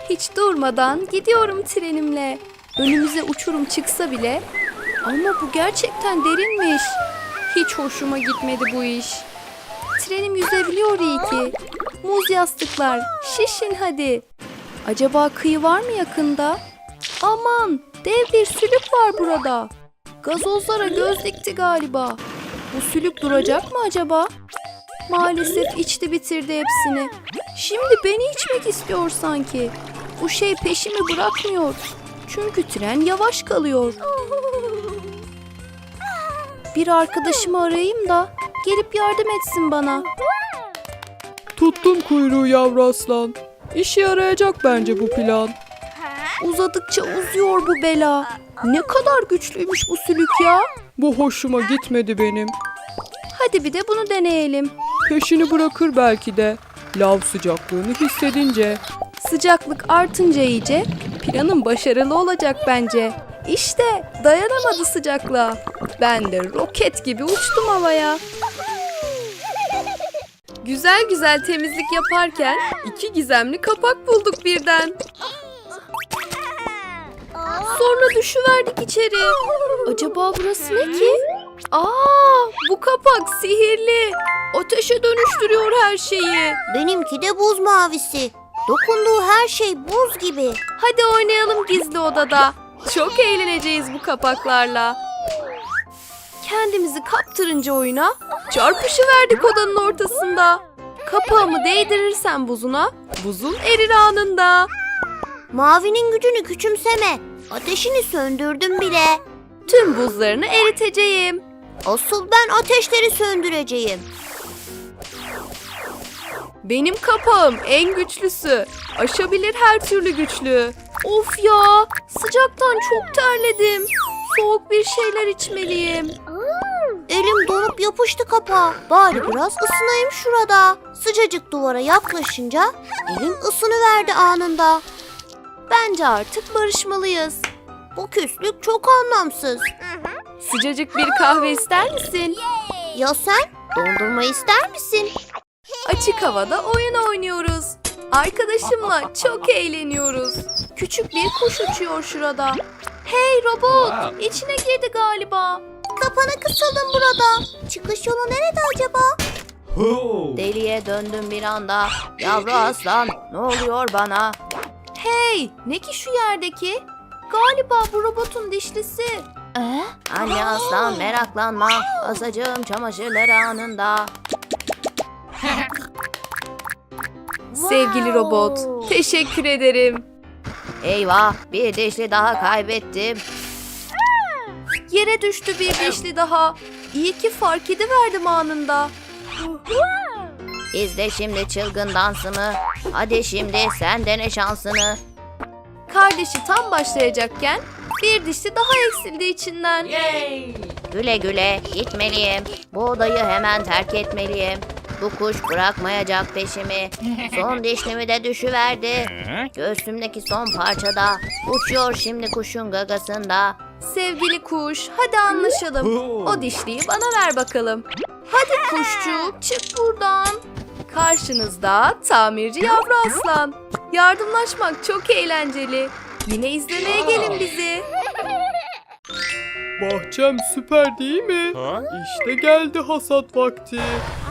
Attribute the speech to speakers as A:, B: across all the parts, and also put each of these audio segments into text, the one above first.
A: Hiç durmadan gidiyorum trenimle. Önümüze uçurum çıksa bile. Ama bu gerçekten derinmiş. Hiç hoşuma gitmedi bu iş. Trenim yüzebiliyor iyi ki. Muz yastıklar, şişin hadi. Acaba kıyı var mı yakında? Aman, dev bir sülük var burada. Gazozlara göz dikti galiba. Bu sülük duracak mı acaba? Maalesef içti bitirdi hepsini. Şimdi beni içmek istiyor sanki. Bu şey peşimi bırakmıyor. Çünkü tren yavaş kalıyor. Bir arkadaşımı arayayım da gelip yardım etsin bana.
B: Tuttum kuyruğu yavru aslan. İşe yarayacak bence bu plan.
A: Uzadıkça uzuyor bu bela. Ne kadar güçlüymüş bu sülük ya.
B: Bu hoşuma gitmedi benim.
A: Hadi bir de bunu deneyelim.
B: Peşini bırakır belki de. Lav sıcaklığını hissedince.
A: Sıcaklık artınca iyice planım başarılı olacak bence. İşte dayanamadı sıcaklığa. Ben de roket gibi uçtum havaya. Güzel güzel temizlik yaparken 2 gizemli kapak bulduk birden. Sonra düşüverdik içeri. Acaba burası ne ki? Bu kapak sihirli. Ateşe dönüştürüyor her şeyi.
C: Benimki de buz mavisi. Dokunduğu her şey buz gibi.
A: Hadi oynayalım gizli odada. Çok eğleneceğiz bu kapaklarla. Kendimizi kaptırınca oyuna çarpışıverdik odanın ortasında. Kapağımı değdirirsen buzuna, buzun erir anında.
C: Mavinin gücünü küçümseme. Ateşini söndürdüm bile.
A: Tüm buzlarını eriteceğim.
C: Asıl ben ateşleri söndüreceğim.
A: Benim kapağım en güçlüsü. Aşabilir her türlü güçlüğü. Of ya, sıcaktan çok terledim. Soğuk bir şeyler içmeliyim.
C: Elim donup yapıştı kapağa. Bari biraz ısınayım şurada. Sıcacık duvara yaklaşınca elim ısınıverdi anında.
A: Bence artık barışmalıyız.
C: Bu küslük çok anlamsız.
A: Sıcacık bir kahve ister misin?
C: Ya sen? Dondurma ister misin?
A: Açık havada oyun oynuyoruz. Arkadaşımla çok eğleniyoruz. Küçük bir kuş uçuyor şurada. Hey robot, içine girdi galiba.
C: Kapana kısıldım burada. Çıkış yolu nerede acaba?
A: Deliye döndüm bir anda. Yavru aslan, ne oluyor bana? Hey, ne ki şu yerdeki? Galiba bu robotun dişlisi. Anne aslan meraklanma. Asacağım çamaşırları anında. Sevgili robot, teşekkür ederim. Eyvah, bir dişli daha kaybettim. Yere düştü bir dişli daha. İyi ki fark ediverdim anında. İzle şimdi çılgın dansımı. Hadi şimdi sen dene şansını. Kardeşi tam başlayacakken bir dişli daha eksildi içinden. Güle güle gitmeliyim. Bu odayı hemen terk etmeliyim. Bu kuş bırakmayacak peşimi. Son dişlimi de düşüverdi. Göğsümdeki son parçada. Uçuyor şimdi kuşun gagasında. Sevgili kuş, hadi anlaşalım. O dişliyi bana ver bakalım. Hadi kuşçuk, çık buradan. Karşınızda tamirci yavru aslan. Yardımlaşmak çok eğlenceli. Yine izlemeye gelin bizi.
B: Bahçem süper değil mi? İşte geldi hasat vakti.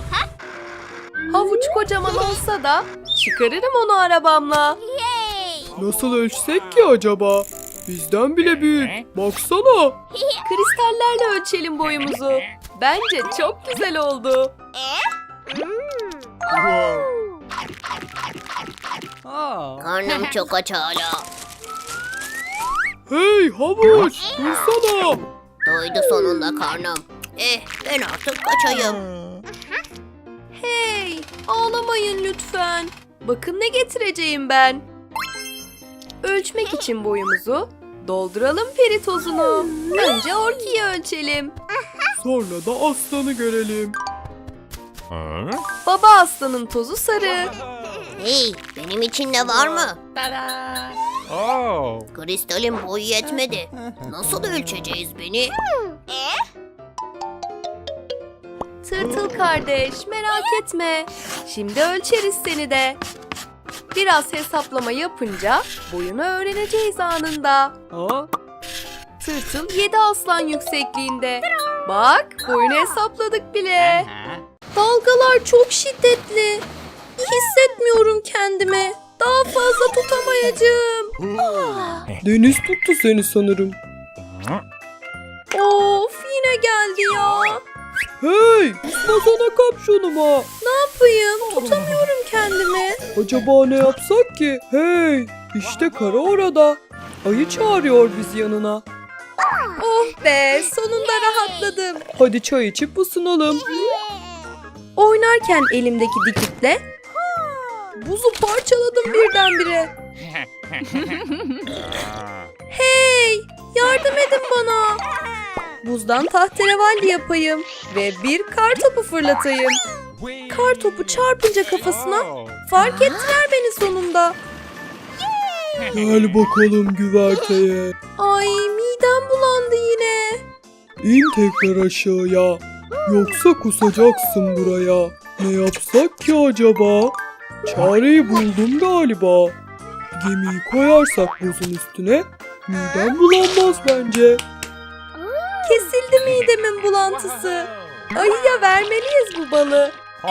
A: Havuç kocaman olsa da çıkarırım onu arabamla.
B: Nasıl ölçsek ki acaba? Bizden bile büyük. Baksana.
A: Kristallerle ölçelim boyumuzu. Bence çok güzel oldu.
C: Karnım çok aç hala.
B: Hey havuç, dursana.
C: Doydu sonunda karnım. Ben artık kaçayım.
A: Hey, ağlamayın lütfen. Bakın ne getireceğim ben. Ölçmek için boyumuzu dolduralım peri tozunu. Önce orkiyi ölçelim.
B: Sonra da aslanı görelim.
A: Baba aslanın tozu sarı.
C: Hey, benim için ne var mı? Kristalin boyu yetmedi. Nasıl ölçeceğiz beni?
A: Tırtıl kardeş, merak etme. Şimdi ölçeriz seni de. Biraz hesaplama yapınca boyunu öğreneceğiz anında.
B: Ha?
A: Tırtıl 7 aslan yüksekliğinde. Bak, boyunu hesapladık bile. Dalgalar çok şiddetli. Hissetmiyorum kendimi. Daha fazla tutamayacağım.
B: Deniz tuttu seni sanırım.
A: Of, yine geldi ya.
B: Hey, tutmasana kapşonuma.
A: Ne yapayım? Tutamıyorum kendimi.
B: Acaba ne yapsak ki? Hey, işte kara orada. Ayı çağırıyor bizi yanına.
A: Oh be, sonunda rahatladım.
B: Hadi çay içip ısınalım.
A: Oynarken elimdeki dikikle buzu parçaladım birdenbire. Hey, yardım edin bana. Buzdan tahterevalli yapayım ve bir kar topu fırlatayım. Kar topu çarpınca kafasına fark ettiler beni sonunda.
B: Gel bakalım güverteye.
A: Ay, midem bulandı yine.
B: İn tekrar aşağıya. Yoksa kusacaksın buraya. Ne yapsak ki acaba? Çareyi buldum galiba. Gemiyi koyarsak buzun üstüne midem bulanmaz bence.
A: Kesildi midemin bulantısı. Ayıya vermeliyiz bu balı.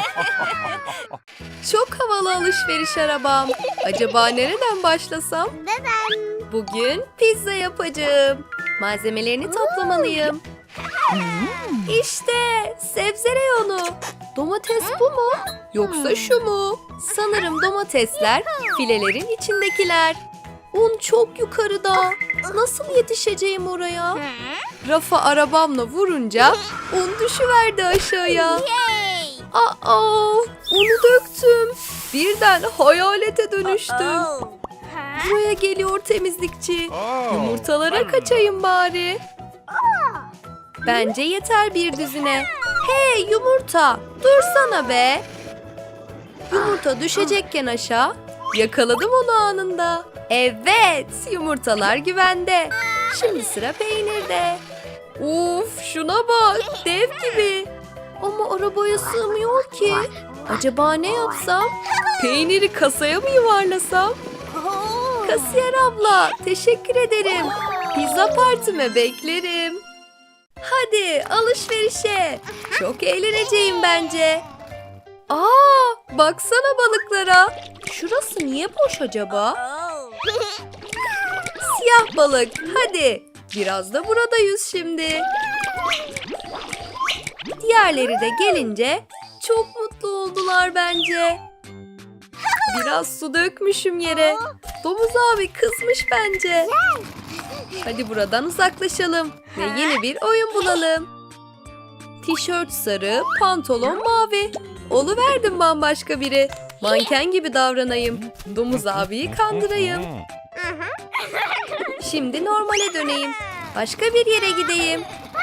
A: Çok havalı alışveriş arabam. Acaba nereden başlasam? Bugün pizza yapacağım. Malzemelerini toplamalıyım. İşte sebze reyonu. Domates bu mu? Yoksa şu mu? Sanırım domatesler filelerin içindekiler. Un çok yukarıda. Nasıl yetişeceğim oraya? Rafa arabamla vurunca un düşüverdi aşağıya. Aa, unu döktüm. Birden hayalete dönüştüm. Buraya geliyor temizlikçi. Yumurtalara kaçayım bari. Bence yeter bir düzine. Hey yumurta, dursana be. Yumurta düşecekken aşağı, yakaladım onu anında. Evet, yumurtalar güvende. Şimdi sıra peynirde. Uf, şuna bak, dev gibi. Ama arabaya sığmıyor ki. Acaba ne yapsam? Peyniri kasaya mı yuvarlasam? Kasiyer abla, teşekkür ederim. Pizza partime beklerim. Hadi alışverişe. Çok eğleneceğim bence. Aa, baksana balıklara. Şurası niye boş acaba? Siyah balık, hadi. Biraz da burada yüz şimdi. Diğerleri de gelince çok mutlu oldular bence. Biraz su dökmüşüm yere. Domuz abi kızmış bence. Hadi buradan uzaklaşalım ve yeni bir oyun bulalım. Tişört sarı, pantolon mavi. Oluverdim bambaşka biri. Manken gibi davranayım. Domuz abiyi kandırayım. Şimdi normale döneyim. Başka bir yere gideyim.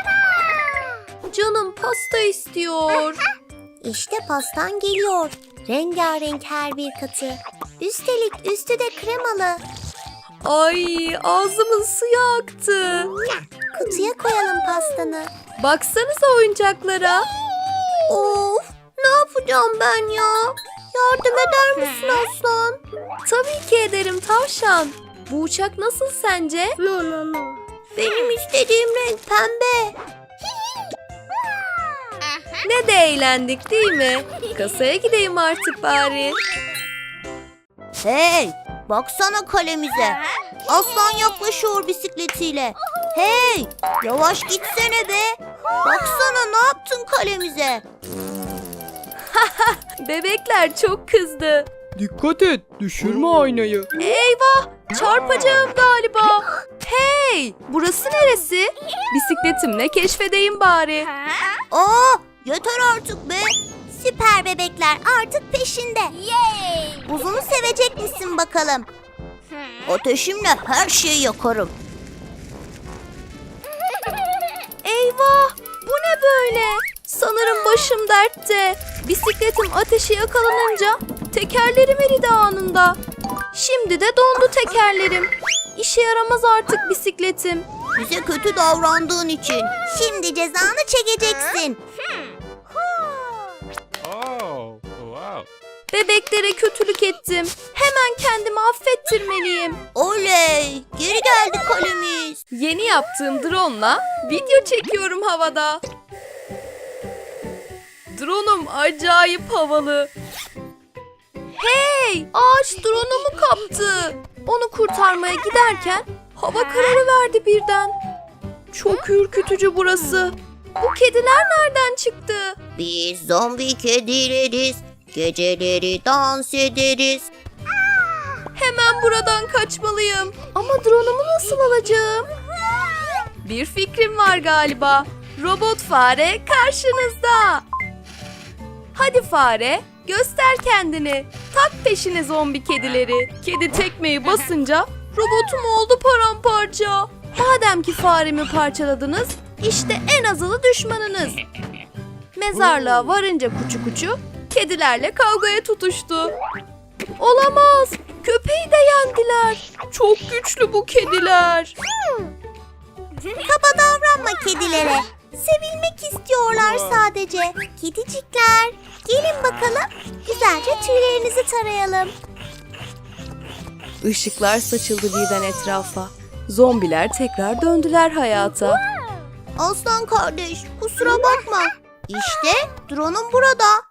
A: Canım pasta istiyor.
C: İşte pastan geliyor. Rengarenk her bir katı. Üstelik üstü de kremalı.
A: Ay, ağzımın suyu aktı.
C: Kutuya koyalım pastanı.
A: Baksanıza oyuncaklara.
C: Of, ne yapacağım ben ya? Yardım eder misin aslan?
A: Tabii ki ederim tavşan. Bu uçak nasıl sence?
C: Benim istediğim renk pembe.
A: Ne de eğlendik değil mi? Kasaya gideyim artık bari.
C: Hey, baksana kalemize. Aslan yaklaşıyor bisikletiyle. Hey, yavaş gitsene be. Baksana ne yaptın kalemize.
A: Bebekler çok kızdı.
B: Dikkat et, düşürme aynayı.
A: Eyvah, çarpacağım galiba. Hey, burası neresi? Bisikletimle keşfedeyim bari.
C: Aa, yeter artık be. Süper bebekler artık peşinde. Buzunu sevecek misin bakalım? Ateşimle her şeyi yakarım.
A: Eyvah, bu ne böyle? Sanırım başım dertte. Bisikletim ateşe yakalanınca tekerlerim eridi anında. Şimdi de dondu tekerlerim. İşe yaramaz artık bisikletim.
C: Bize kötü davrandığın için. Şimdi cezanı çekeceksin.
A: Bebeklere kötülük ettim. Hemen kendimi affettirmeliyim.
C: Oley! Geri geldi kalemiz.
A: Yeni yaptığım drone'la video çekiyorum havada. Drone'um acayip havalı. Hey! Ağaç drone'umu kaptı. Onu kurtarmaya giderken hava kararıverdi birden. Çok ürkütücü burası. Bu kediler nereden çıktı?
C: Biz zombi kedileriz. Geceleri dans ederiz.
A: Hemen buradan kaçmalıyım. Ama drone'umu nasıl alacağım? Bir fikrim var galiba. Robot fare karşınızda. Hadi fare, göster kendini. Tak peşine zombi kedileri. Kedi tekmeyi basınca robotum oldu paramparça. Madem ki faremi parçaladınız, işte en azılı düşmanınız. Mezarlığa varınca kuçu kuçu kedilerle kavgaya tutuştu. Olamaz. Köpeği de yendiler. Çok güçlü bu kediler.
C: Kaba davranma kedilere. Sevilmek istiyorlar sadece. Kedicikler, gelin bakalım. Güzelce tüylerinizi tarayalım.
A: Işıklar saçıldı birden etrafa. Zombiler tekrar döndüler hayata.
C: Aslan kardeş, kusura bakma. İşte drone'um burada.